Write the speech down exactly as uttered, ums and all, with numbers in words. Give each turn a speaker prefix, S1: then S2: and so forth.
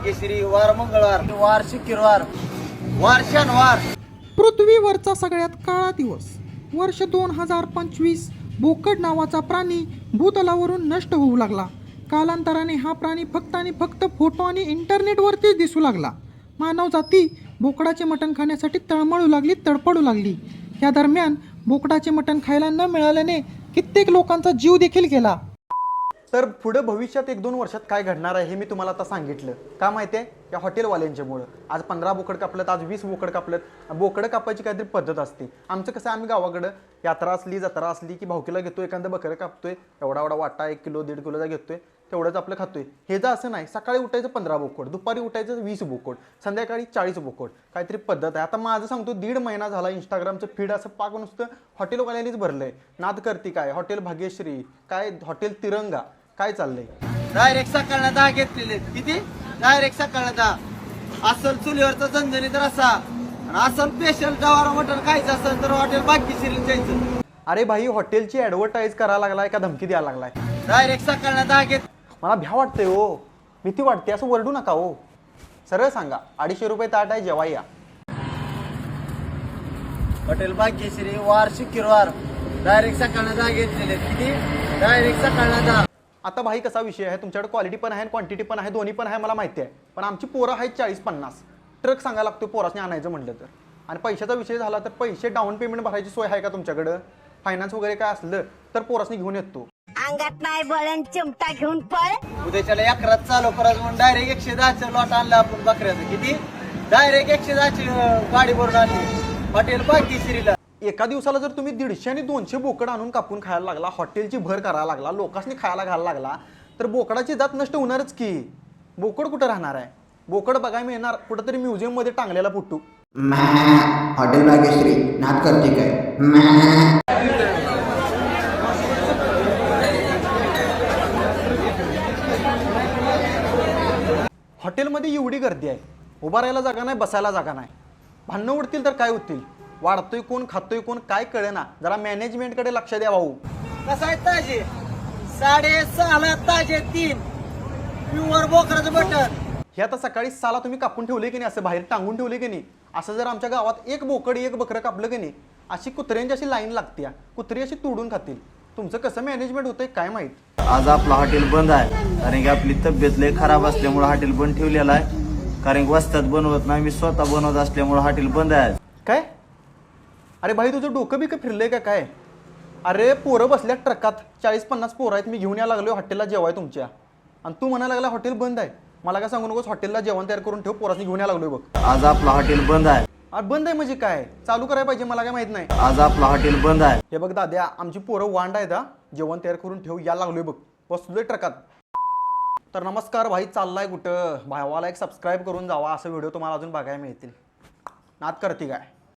S1: भाग्यश्री, वार मंगळवार, वार शुक्रवार, वार शनिवार.
S2: पृथ्वीवरचा सगळ्यात काळा दिवस वर्ष दोन हजार पंचवीस. बोकड नावाचा प्राणी भूतलावरून नष्ट होऊ लागला. कालांतराने हा प्राणी फक्त आणि फक्त फोटो आणि इंटरनेटवरतीच दिसू लागला. मानव जाती बोकडाचे मटण खाण्यासाठी तळमळू लागली, तडपडू लागली. या दरम्यान बोकडाचे मटण खायला न मिळाल्याने कित्येक लोकांचा जीव देखील गेला.
S3: तर पुढे भविष्यात एक दोन वर्षात काय घडणार आहे हे मी तुम्हाला आता सांगितलं. का माहिती आहे? या हॉटेलवाल्यांच्यामुळं. आज पंधरा बोकड कापलेत, आज वीस बोकड कापलेत. बोकडं कापायची काहीतरी पद्धत असते. आमचं कसं, आम्ही गावाकडं यात्रा असली, जत्रा असली की भावकीला घेतोय, एखादं बकरं कापतोय, एवढा एवढा वाटा एक किलो दीड किलोचा घेतोय, तेवढंच आपलं खातोय. हे जर असं नाही, सकाळी उठायचं पंधरा बोकड, दुपारी उठायचं वीस बोकड, संध्याकाळी चाळीस बोकड, काहीतरी पद्धत आहे. आता माझं सांगतो, दीड महिना झाला इंस्टाग्रामचं फीड असं पाक नुसतं हॉटेलवाल्यांनीच भरलंय. नाद करती काय, हॉटेल भाग्यश्री, काय हॉटेल तिरंगा, काय चाललंय.
S1: डायरेक्ट सकाळला दहा घेतलेले. किती? डायरेक्ट सकाळला दहा. असल चुलीवरचा झणझणीत रस्सा आणि असल स्पेशल जवार मटण खायचं असेल तर हॉटेल भाग्यश्रीला जायचं.
S3: अरे भाई, हॉटेलची ऍडव्हर्टाईज करायला लागलाय का धमकी द्यायला लागलाय?
S1: डायरेक्ट सकाळला दहा घेत.
S3: मला भ्या वाटतंय हो, भीती वाटते. असं वरडू नका हो, सरळ सांगा. अडीचशे रुपये ताट आहे, जेव्हा या.
S1: हॉटेल भाग्यश्री, वार शुक्रवार, डायरेक्ट सकाळला दहा घेतलेले. किती? डायरेक्ट सकाळला दहा.
S3: आता भाई कसा विषय आहे, तुमच्याकडे क्वालिटी पण आहे, क्वांटिटी पण आहे, दोन्ही पण आहे, मला माहिती आहे. पण आमची पोरं आहेत चाळीस पन्नास. ट्रक सांगायला लागतो पोरासने आणायचं म्हटलं तर. आणि पैशाचा विषय झाला तर पैसे डाऊन पेमेंट भरायची सोय आहे का तुमच्याकडं? फायनान्स वगैरे काय असलं तर पोरासने घेऊन येतो.
S4: अंगात नाही बळण चिमटा घेऊन पळ.
S1: उद्याच्याला अकरात चालू करायचं म्हणून डायरेक्ट एकशे दहाचं लॉट आणलं आपण बकऱ्याचं. किती? डायरेक्ट एकशे दहाची गाडी भरून आणली हॉटेल भाग्यश्रीला.
S3: एका दिवसाला जर तुम्ही दीडशे आणि दोनशे बोकड आणून कापून खायला लागला, हॉटेलची भर करायला लागला, लोकांनी खायला घालायला लागला, तर बोकडाची जात नष्ट होणारच की. बोकड कुठं राहणार आहे? बोकड बघायला मिळणार कुठंतरी म्युझियम मध्ये टांगलेला फोटो.
S5: हॉटेल भाग्यश्री नाद करते काय?
S3: हॉटेलमध्ये एवढी गर्दी आहे, उभा राहायला जागा नाही, बसायला जागा नाही. भांडणं उडतील तर काय होतील? वाढतोय कोण, खातोय कोण, काय कळेना. जरा मॅनेजमेंटकडे लक्ष द्या भाऊ.
S1: कसं आहे ताजे? साडेसहाला ताजे तीन प्युअर बोकडाचं मटण.
S3: हे आता सकाळी साला तुम्ही कापून ठेवले की नाही, असं बाहेर टांगून ठेवले की नाही, असं जर आमच्या गावात एक बोकड एक बकरं कापलं की नाही, अशी कुत्र्यांची अशी लाईन लागते, कुत्री अशी तोडून खातील. तुमचं कसं मॅनेजमेंट होतंय काय माहित.
S6: आज आपलं हॉटेल बंद आहे कारण की आपली तब्येत लय खराब असल्यामुळे हॉटेल बंद ठेवलेलं आहे. कारण की वस्तात बनवत नाही, मी स्वतः बनवत असल्यामुळे हॉटेल बंद आहे.
S3: काय? अरे भाई, तुझं डोकं बिकं फिरलंय का काय? अरे पोरं बसल्या ट्रकात, चाळीस पन्नास पोरं आहेत, मी घेऊन यायला लागलो हॉटेलला जेवाय तुमच्या, आणि तू म्हणायला लागला हॉटेल बंद आहे. मला काय सांगू नकोस, हॉटेलला जेवण तयार करून ठेव, पोरासनी घेऊन यायला लागलोय बघ.
S6: आज आपलं हॉटेल बंद आहे.
S3: अरे बंद आहे म्हणजे काय? चालू करायला पाहिजे, मला काय माहित नाही.
S6: आज आपलं हॉटेल बंद आहे.
S3: हे बघ दाद्या, आमची पोरं वांड आहेत, हा जेवण तयार करून ठेव, यायला लागलोय बघ, बसलोय ट्रकात. तर नमस्कार भाई, चाललाय कुठं? भावाला एक सबस्क्राईब करून जावा, असं व्हिडिओ तुम्हाला अजून बघायला मिळतील. नाद करते काय?